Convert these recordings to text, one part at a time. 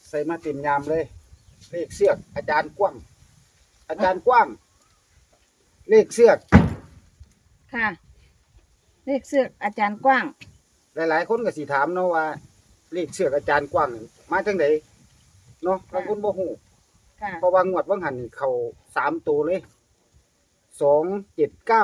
ใส่มาเต็มยามเลยเลขเสือกอาจารย์กว้างอาจารย์กว้างเลขเสือกค่ะ เลขเสือกอาจารย์กว้างหลายๆคนก็สิถามเนาะว่าเลขเสือกอาจารย์กว้างนี่มาจังไดเนาะบางคนบ่ฮู้ค่ะเพราะว่างวดว่างหันนี่เข้า3ตัวเลย279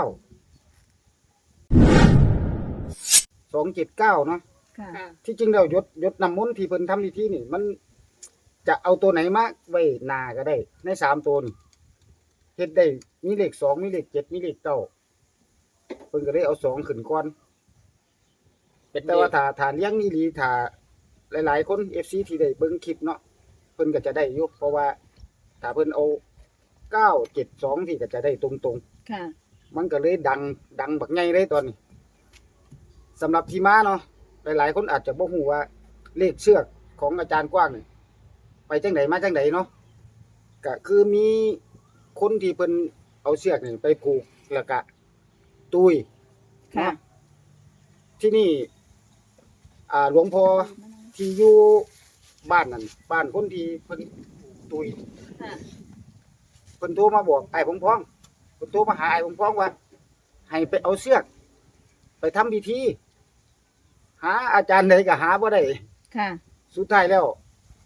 279เนาะค่ะที่จริงแล้วยศน้ำมนต์ที่เพิ่นทำพิธีนี่มันจะเอาตัวไหนมาไว้หน้าก็ได้ใน3ตัวนี่เฮ็ดได้มีเลข2มีเลข7มีเลข9เพิ่นก็เลยเอา2ขึ้นก่อนแต่ว่าถ้าเลี้ยงอีหลีถ้าหลายๆคน FC ที่ได้เบิ่งคลิปเนาะเพิ่นก็จะได้อยู่เพราะว่าถ้าเพิ่นเอา972ที่ก็จะได้ตรงๆค่ะมันก็เลยดังบักใหญ่เลยตอนนี้สำหรับที่มาเนาะหลายๆคนอาจจะบ่ฮู้ว่าเลขเชือกของอาจารย์กว้างนี่ไปจังไดมาจังไดเนาะก็คือมีคนที่เพิ่นเอาเชือกนี่ไปผูกแล้วก็ตุยค่ะเนาะที่นี่หลวงพ่อที่อยู่บ้านนั่นบ้านคนที่เพิ่นตุยค่ะเพิ่นโทรมาบอกไอ้พงพ้องเพิ่นโทรมาหาไอ้พงพ้องว่าให้ไปเอาเชือกไปทำพิธีหาอาจารย์ใดก็หาบ่ได้ค่ะสุดท้ายแล้ว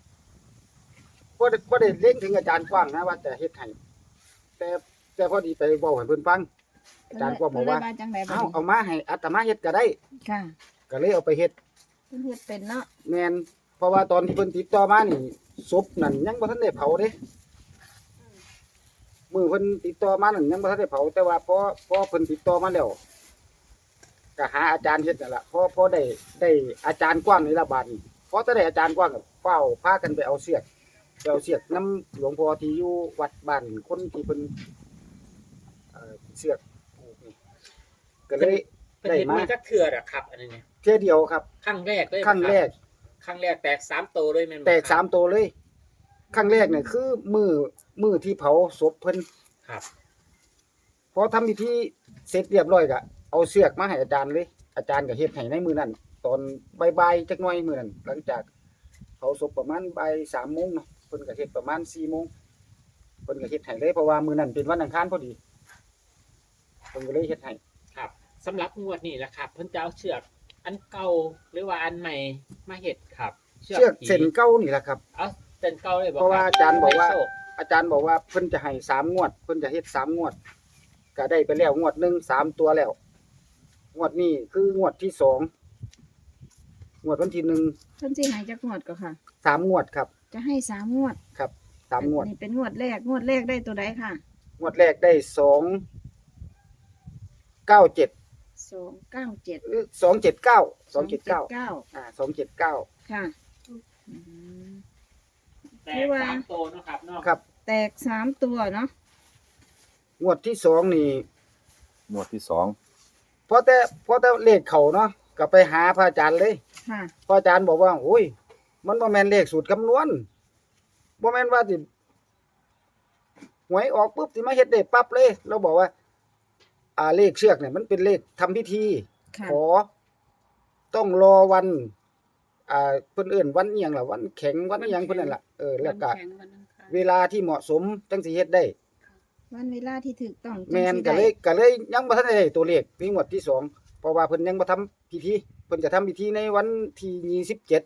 บ่ได้เล็งถึงอาจารย์กว้างนะว่าจะเฮ็ดให้แต่พอดีไปเว้าให้เพิ่นฟังอาจารย์กว้างบอกว่าเพิ่นเลยจังไดบัดเอามาให้อาตมาเฮ็ดก็ได้ค่ะก็เลยเอาไปเฮ็ดเพิ่นเฮ็ดเป็นเนาะแม่นเพราะว่าตอนที่เพิ่นติดต่อมานี่ศพนั่นยังบ่ทันได้เผาเด้มื้อเพิ่นติดต่อมานั่นยังบ่ทันได้เผาแต่ว่าพอเพิ่นติดต่อมาแล้วก็หาอาจารย์เฮ็ดนั่นล่ะพอได้อาจารย์กว้างนี่ละบาดนี้พอจะได้อาจารย์กว้างก็เฝ้าพากันไปเอาเสือกนํหลวงพ่อที่อยู่วัดบ้านคนที่เพิ่นเสือกผูกนี่ก็เลยเป็นได้เห็นมามาจักเทื่ออะครับอันนี้เนี่ยเที่ยเดียวครับครั้งแรกเลยครั้งแรกครั้งแรกแตก3ตัวเลยแม่นบ่แตกครับ 3ตัวเลยครั้งแรกเนี่ยคือมือที่เผาศพเพิ่นครับพอทำพิธีเสร็จเรียบร้อยก็เอาเสือกมาให้อาจารย์เลยอาจารย์ก็เฮ็ดให้ในมื้อนั้นตอนบ่ายๆจักหน่อยมื้อนั้นหลังจากเผาศพประมาณบ่าย3:00 นเนาะเพิ่นก็เฮ็ดประมาณ4:00 นเพิ่นก็เฮ็ดให้เลยเพราะว่ามื้อนั้นเป็นวันอังคารพอดีเพิ่นก็เลยเฮ็ดให้ครับสำหรับงวดนี้นะครับเพิ่นจะเอาเชือกอันเก่าหรือว่าอันใหม่มาเฮ็ดครับเชือกเส้นเก่านี่แหละครับเอาเส้นเก่าเลยบ่เพราะว่าอาจารย์บอกว่าได้โชคอาจารย์บอกว่าเพิ่นจะให้3 งวดเพิ่นจะเฮ็ด3 งวดก็ได้ไปแล้วงวดหนึง3 ตัวแล้วงวดนี้คืองวดที่2งวดวันที่1 เพิ่นสิให้จักงวดก็ค่ะ 3 งวดครับจะให้3งวดครับ3 งวดนี่เป็นงวดแรกได้ตัวใดค่ะงวดแรกได้297 297 279 279 279 ค่ะอืมแตคืกอว่า 3ตัวเนาะครับเนาะครับแตก3ตัวเนาะงวดที่2นี่หมวดที่สองพอแต่เลขเขาเนาะก็ไปหาพระอาจารย์เลยค่ะพระอาจารย์บอกว่าโอ้ยมันบ่แม่นเลขสูตรคำนวณบ่แม่นว่าสิหวยออกปุ๊บสิมาเฮ็ดได้ปั๊บเลยเราบอกว่าเลขเชือกเนี่ยมันเป็นเลขทำพิธีค่ะขอต้องรอวันเพิ่นเอิ้นวันอิหยังล่ะวันแข็งวันอิหยังเพิ่นนั่นล่ะแล้วก็เวลาที่เหมาะสมจังสิเฮ็ดได้วันเวลาที่ถูกต้องจังแม่นสิก็ได้เลยยังบ่ทันได้ตัวเลขมีงวดที่สองเพราะว่าเพิ่นยังบ่ทำพิธีเพิ่นจะทำพิธีในวันที่27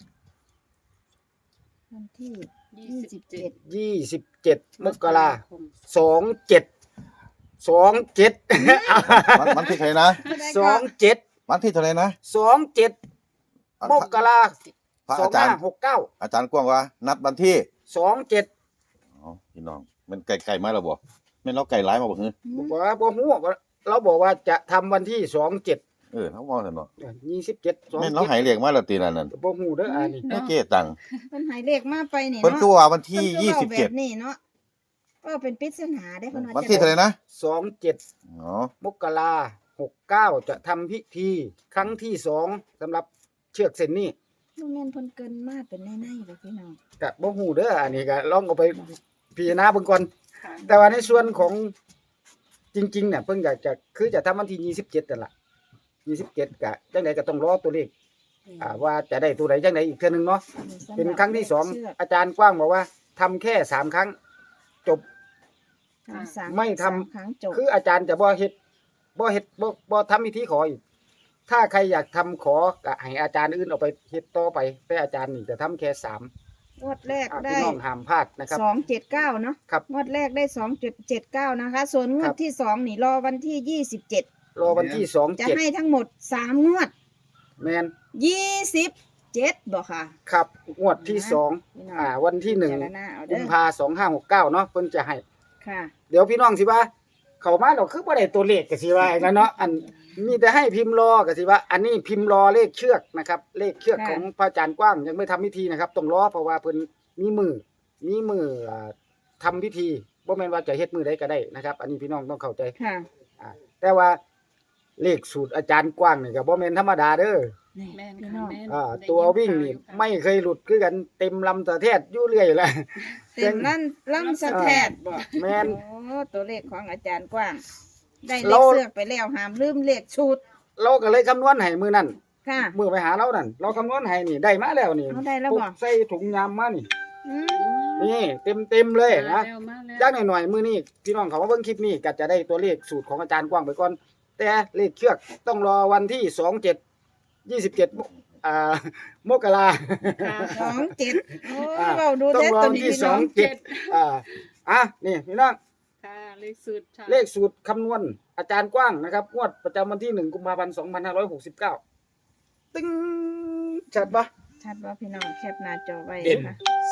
วันที่27 27มกราคม27 วันที่เท่าไหร่นะ 27 วันที่เท่าไหร่นะ 27มกราคพระมอาจารย์ 2569 อาจารย์กว้างว่า นัดวันที่ 27 อ๋อพี่น้องมันไก่มาแล้วบ่แม่นเราไก่หลายมาบ่ฮือบอกว่าบ่ฮู้ว่าเราบอกว่าจะทำวันที่27 เขาว่าซั่นเนาะ 27 แม่นเราให้เลขมาแล้วตีนั่นนั่นบ่ฮู้เด้ออันนี้แม่เก้ตังค์เพิ่นให้เลขมาไปนี่เพิ่นเนาะคือว่าวันที่เพิ่นคือเว้าแบบนี้เนาะก็เป็นปริศนาได้เพิ่นว่าวันที่เท่าไหร่นะ 27 อ๋อมกราคม69จะทำพิธีครั้งที่2สำหรับเชือกเส้นนี้บ่แม่นเพิ่นเกินมาเป็นในๆบ่พี่น้องก็บ่ฮู้เด้ออันนี้ก็ลองเอาไปพิจารณาเบิ่งก่อนแต่ว่าในส่วนของจริงๆเนี่ยเพิ่นก็จะคือจะทำวันที่27นั่นล่ะ27ก็จังได๋ก็ต้องรอตัวเลขว่าจะได้ตัวไหนจังไดอีกเทื่อนึงเนาะเป็นครั้งที่สองอาจารย์กว้างบอกว่าทำแค่3ครั้งจบ ไม่ทำ 3 ครั้งจบคืออาจารย์จะบ่เฮ็ดบ่ทำพิธีขออีกถ้าใครอยากทำขอก็ให้อาจารย์อื่นเอาไปเฮ็ดต่อไปแต่อาจารย์นี่จะทำแค่3 งวดแรกได้พี่น้องห้ามพลาดนะครับ 279เนาะครับงวดแรกได้2.79นะคะ ส่วนงวครัดบที่2นี่รอวันที่27 รอวันที่จะให้ทั้งหมด3งวด 2 7แม่น 27บ่ค่ะครับงวดที่พี่น้อง 2วันที่พิจารณาเอา 1 เด้กุอมภา2569เนาะเพิ่นจะให้ค่ะเดี๋ยวพี่น้องสิว่า เข้ามาเราคือบ่ได้ตัวเลขก็สิว่าอย่างนั้นเนาะอันมีแต่ให้พิมพ์รอก็สิว่า อันนี้พิมพ์รอเลขเชือกนะครับ เลขเชือกค่ะของพระอาจารย์กว้างยังไม่ทำพิธีนะครับต้องรอเพราะว่าเพิ่นมีมือทำพิธีบ่แม่นว่าจะเฮ็ดมือใดก็ได้นะครับ อันนี้พี่น้องต้องเข้าใจค่ะแต่ว่าเลขสูตรอาจารย์กว้างนี่ก็บ่แม่นธรรมดาเด้อนี่แม่นพี่ค่ะน้องแม่นตัววิ่งนี่ไม่เคยหลุดคือกันเต็มลำตะแทดอยู่เรื่อยแหละเต็มลั่นล่ำสะแทดบ่แม่นโอ้ตัวเลขของอาจารย์กว้าง ได้เลเราขเสือกไปแล้วห้ามลืมเลขชุดเราก็เลยคำนวณให้มื้อนั้นค่ะมื้อไปหาเรานั่นเราคำนวณให้นี่ได้มาแล้วนี่เอาได้แล้วบ่ปุ๊บใส่ถุงยามมานี่อืมนี่เต็มเลยนะมาแล้วจักหน่อยๆมื้อนี้พี่น้องเขามาเบิ่งคลิปนี้ก็จะได้ตัวเลขสูตรของอาจารย์กว้างไปก่อน แต่เลขเชือกต้องรอวันที่27มกราค่ะ 27โอ้อ่าเว้าดูต้องแต่รอตัววันนี้ที่พี่น้อง 27นี่พี่น้องค่ะเลขสุดค่ะเลขสูตรคำนวณอาจารย์กว้างนะครับงวดประจำวันที่1กุมภาพันธ์2569ตึ้งชัดปะชัดว่าพี่น้องแคปหน้าจอไว้เด่นนะคะ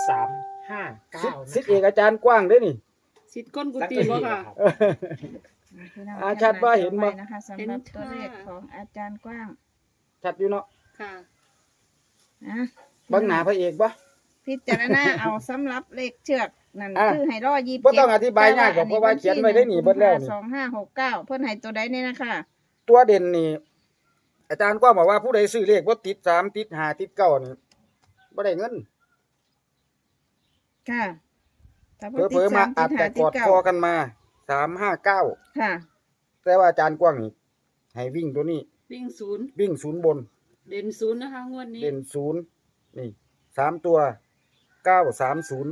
359 สิทธิ์เอกอาจารย์กว้างเด้อนี่สิทธิ์ก้นกุฏิบ่ค่ะพี่น้องอ่าชัดว่าเห็นบ่แคปน้าจอไว้นะคะสำหรับตัวเลขของอาจารย์กว้างชัดอยู่เนาะค่ะอ่ะเบังหน้าพระเอกปะพิจารณาเอาสำหรับเลขเชือกนั่นอ่ะคือให้รอ27 บ่ต้องอธิบายยากหรอกเพราะว่าเขียนไว้ได้นี่เบิดแล้วนี่ 2569เพิ่นให้ตัวใดนี่นะคะตัวเด่นนี่ อาจารย์กว้างบอกว่าผู้ใดซื้อเลขบ่ติด3ติด5ติด9นี่บ่ได้เงินค่ะถ้าเผบ่ติลดอๆมา 3 อาจติดจะ 5 กอดติดคอ 9 กันมา359 ค่ะแต่ว่าอาจารย์กว้างนี่ให้วิ่งตัวนี้วิ่งศูนย์วิ่งศูนย์บนเด่นศูนย์นะคะงวดนี้เด่นศูนย์นี่3ตัว930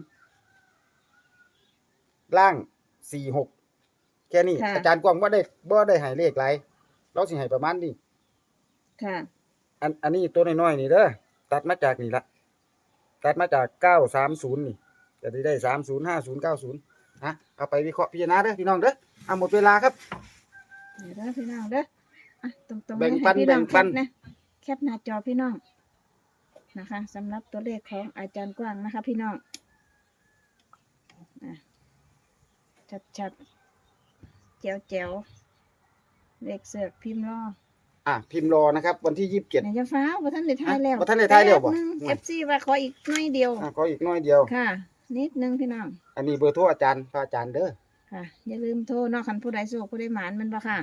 ล่าง46แค่นี้ค่ะอาจารย์กว้างบ่ได้ให้เลขหลายเราสิให้ประมาณนี้ค่ะอันนี้ตัวน้อยๆนี่เด้อตัดมาจากนี่ละตัดมาจาก930นี่จะได้305090เอาไปวิเคราะห์พิจารณาเด้อพี่น้องเด้อหมดเวลาครับเดี๋ยวเด้อพี่น้องเด้ออ่ะตรงๆแบ่งให้ปันพี่น้องแบ่งปันแคปนะแคปหน้าจอพี่น้องนะคะสำหรับตัวเลขของอาจารย์กว้างนะคะ พี่น้องอ่ะชัดๆแจ๋วๆเลขเสือกพิมพ์รอพิมพ์รอนะครับ วันที่27 ไหนจะฟ้าวบ่ทันได้ทายแล้วบ่ทันได้ทายแล้วบ่เอฟซีว่าขออีกหน่อยเดียวขออีกน้อยเดียวค่ะ นิดนึงพี่น้องอันนี้เบอร์โทรอาจารย์พระอาจารย์เด้อค่ะ อย่าลืมโทรเนาะคันผู้ใดโชคผู้ใดหมานมันบ่ค่ะ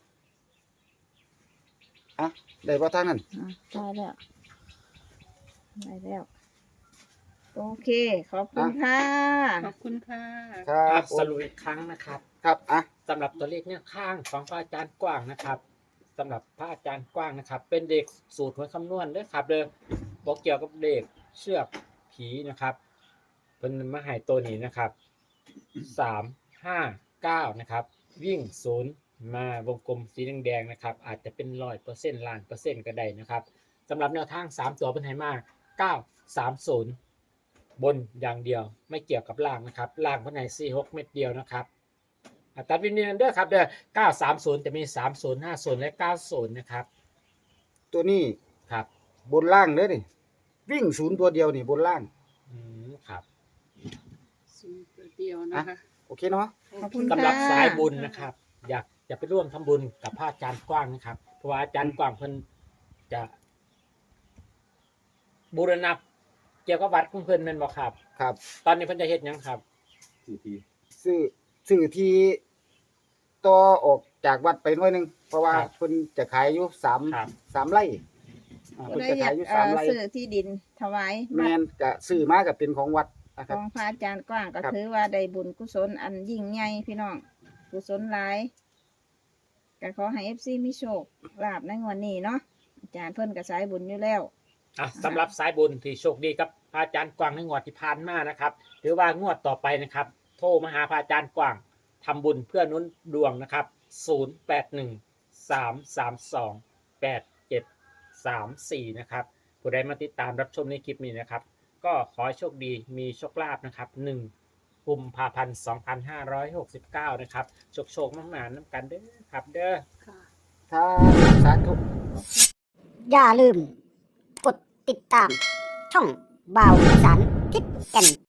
ได้บ่ทางนั้นได้แล้ว โอเค ขอบคุณค่ะขอบคุณค่ะครับสรุปอีกครั้งนะครับครับสำหรับตัวเลขเนี่ยข้างของพระอาจารย์กว้างนะครับสำหรับพระอาจารย์กว้างนะครับ เป็นเด็กสูตรหวยคำนวณด้วยครับเลยบอกเกี่ยวกับเด็กเชือกผีนะครับเป็นมาใหายตัวนี้นะครับ359นะครับวิ่ง0มาวงกลมสีแดงๆนะครับ อาจจะเป็น100%ล้านเปอร์เซ็นต์ก็ได้นะครับสำหรับแนวทาง3ตัวเป็นไหมา930บนอย่างเดียวไม่เกี่ยวกับล่างนะครับล่างเพิ่นให้46เม็ดเดียวนะครับตัดวินเนียนเด้อครับเด้อ930จะมี30 50และ90นะครับตัวนี้ครับบนล่างเด้อนี่วิ่งศูนย์ตัวเดียวนี่บนล่างครับศูนย์ตัวเดียวนะคะโอเคเนาะขอบคุณสำหรับค่ะสายบุญนะครับ อยากจะไปร่วมทำบุญกับพระอาจารย์กว้างนะครับเพราะว่าอาจารย์กว้างเพิ่นจะบูรณะเกี่ยวกับวัดของเพิ่นแม่นบ่ครับครับตอนนี้เพิ่นจะเฮ็ดหยังครับซื้อที่ต่อออกจากวัดไปหน่อยหนึงเพราะว่าครับเพิ่นจะขายอยู่ครับ 3ไร่ผู้เพิ่นใดจะอยาขาก ยอยู่3ไร่ซื้อที่ดินถวายแม่นก็ซื้อมาก็เป็นของวัดนะคขรับองพระอาจารย์กว้างก็ครับถือว่าได้บุญกุศลอันยิ่งใหญ่พี่น้องกุศลหลายก็ขอให้ FC มีโชคลาภในงวดนี้เนาะอาจารย์เพิ่นก็สายบุญอยู่แล้วสำหรับสายบุญที่โชคดีกับพระอาจารย์กวางในงวดที่ผ่านมานะครับหรือว่างวดต่อไปนะครับ โทรมาหาพระอาจารย์กวางทำบุญเพื่อหนุนดวงนะครับ0813328734นะครับผู้ใดมาติดตามรับชมในคลิปนี้นะครับ ก็ขอให้โชคดีมีโชคลาภนะครับ1 กุมภาพันธ์2569นะครับโชคๆมากๆน้ำกันเด้อครับเด้อค่ะสาธุอย่าลืม กดติดตาม ช่องบ่าวอีสานทิศแก่น